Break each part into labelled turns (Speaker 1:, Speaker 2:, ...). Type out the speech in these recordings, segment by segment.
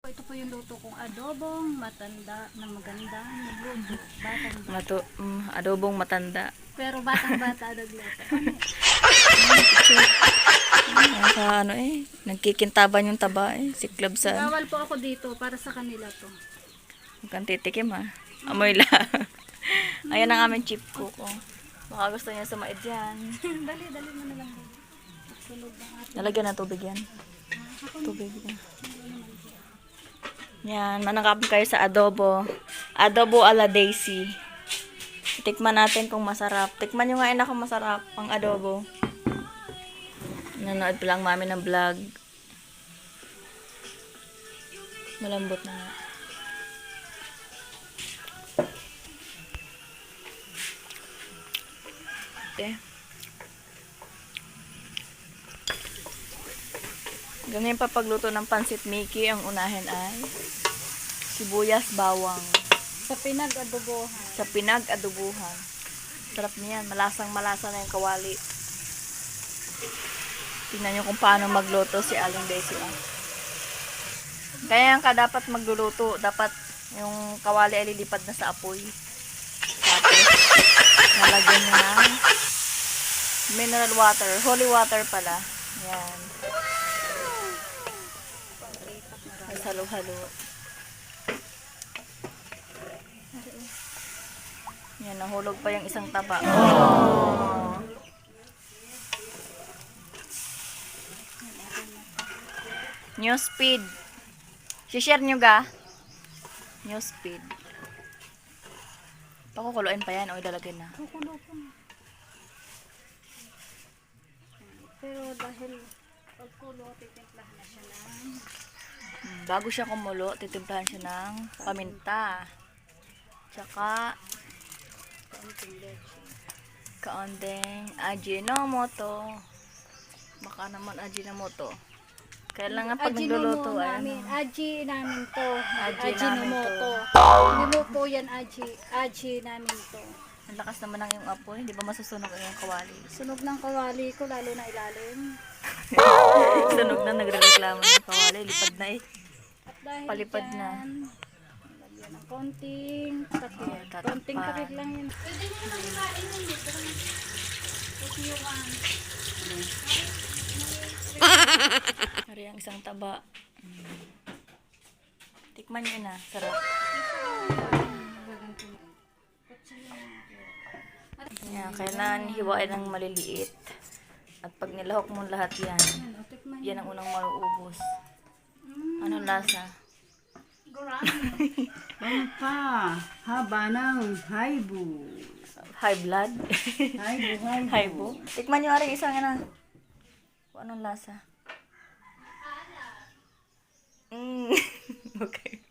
Speaker 1: Ito po yung luto kong adobong matanda na maganda nagluto.
Speaker 2: Adobong matanda.
Speaker 1: Pero batang-bata nagluto.
Speaker 2: Nagkikintaban yung taba siklab sa.
Speaker 1: Bawal po ako dito para sa kanila to.
Speaker 2: Huwag kang titikim ha. Amoy lang. Ayan ang aming chip cook. Baka gusto niya sumaid yan.
Speaker 1: Dali mo na lang. Sunog ang ating.
Speaker 2: Nalagyan ng tubig yan. Tubig yan. Yan, manangkap kayo sa adobo. Adobo ala Daisy. Tikman natin kung masarap. Tikman nyo nga kung masarap ang adobo. Nanood pa lang mami ng vlog. Malambot na nga. Okay. Ganyan pa pagluto ng pansit Mickey, ang unahin ay sibuyas, bawang.
Speaker 1: Sa pinag-adobohan.
Speaker 2: Sa pinag-adobuhan. Sarap niyan. Malasang-malasa na yung kawali. Tingnan nyo kung paano magluto si Aling Daisy. Kaya ka dapat magluluto. Dapat yung kawali ay lilipad na sa apoy. Tapos, nalagyan nyo ng mineral water. Holy water pala. Yan. Halo-halo. Yan, nahulog pa yung isang taba. Oh. New speed. Si-share nyo ga? New speed. Pakukuluin pa yan o ilalagay na.
Speaker 1: Kukulo po. Pero dahil pagkulo, titimplahan na siya ng
Speaker 2: Bago siya kumulo, titimplahan siya ng paminta. Tsaka kaunting Ajinomoto. Baka naman Ajinomoto. Kailangan pag nagluluto ay
Speaker 1: Aji namin to.
Speaker 2: Ajinomoto.
Speaker 1: Niluto yan Aji namin to.
Speaker 2: Ang lakas naman ng iyong apoy, hindi ba masusunog ang iyong kawali?
Speaker 1: Sunog ng kawali ko, lalo na ilalim.
Speaker 2: Sunog na, nagre-reklamo ng kawali, lipad na
Speaker 1: At dahil
Speaker 2: palipad
Speaker 1: dyan,
Speaker 2: na.
Speaker 1: lagyan ng konting takip.
Speaker 2: Tatakpan.
Speaker 1: Konting takip lang yun. Pwede nyo na hilain yun dito. Ito yung
Speaker 2: Hari ang isang taba. Tikman nyo na, sarap. Yan, kailangan hiwain ng maliliit. At pag nilahok mo lahat yan, yan ang unang mauubos. Anong lasa?
Speaker 3: Pampa, haba ng haibu.
Speaker 2: High blood?
Speaker 3: Haibu.
Speaker 2: Haibo? Tikman nyo rin isang ano. Kung anong lasa? Okay.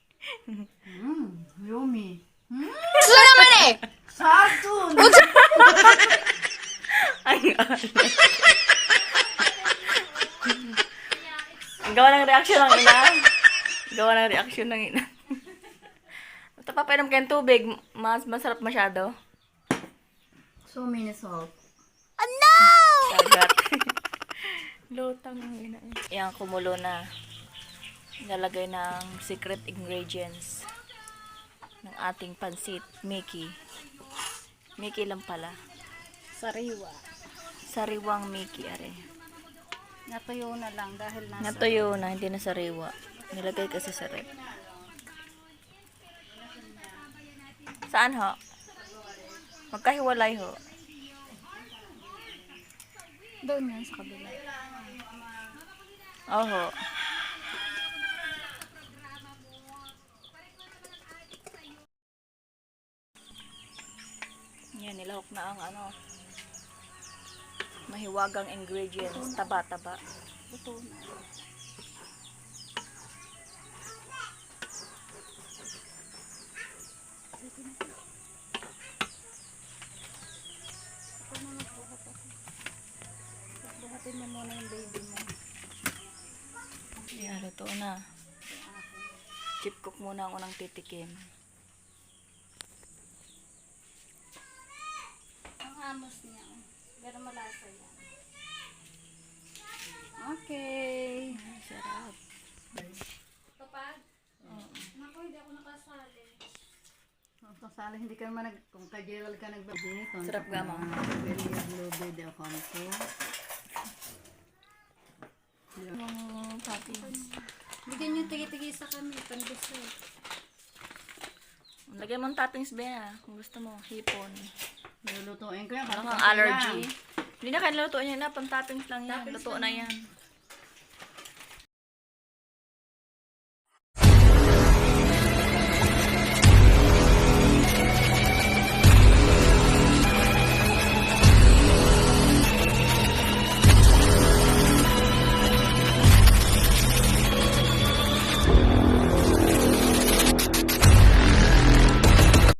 Speaker 3: Yummy.
Speaker 2: Wala naman eh!
Speaker 3: Sartun!
Speaker 2: Ang gawa ng reaksyon ng ina. Gawa ng reaksyon ng ina. Ito pa, painom kayong tubig. Masarap masyado.
Speaker 3: So many salt.
Speaker 2: Sagat. Lutang ng ina. Yan, kumulo na. Nalagay ng secret ingredients ng ating pansit, Mickey. Mickey lang pala.
Speaker 1: sariwa.
Speaker 2: Sariwang Mickey, are.
Speaker 1: Natuyo na lang dahil nasa
Speaker 2: Natuyo na, hindi na sariwa. Nilagay kasi sa rep. Saan ho? Magkahiwalay ho.
Speaker 1: doon yan sa kabila.
Speaker 2: Oho. Yan, nilahok na ang mahiwagang ingredients. Taba-taba.
Speaker 1: Ito na. Buhatin mo muna yung baby mo.
Speaker 2: Yan, luto na. Chip cook muna ang unang titikim.
Speaker 1: Ang amos niya. Pero malasa yan. Okay.
Speaker 2: Sarap.
Speaker 1: Ito pa.
Speaker 3: Kasala, hindi ka naman kung kay Gerald ka nagbabay.
Speaker 2: Sarap nga, ma.
Speaker 3: Very lobe de akampo.
Speaker 2: Yung toppings.
Speaker 1: Bigyan niyo tigi-tigi sa kami, pang-dessert.
Speaker 2: Lagyan mo ng toppings, Bea. Kung gusto mo, hipon.
Speaker 3: Lulutuin ko yan.
Speaker 2: Ano
Speaker 3: kasi
Speaker 2: kang
Speaker 3: konti
Speaker 2: allergy?
Speaker 3: lang.
Speaker 2: Hindi na kayo lutuin yan na. Pang toppings lang yan.
Speaker 1: Toppings
Speaker 2: Luto
Speaker 1: lang
Speaker 2: na
Speaker 1: yan.
Speaker 2: yan.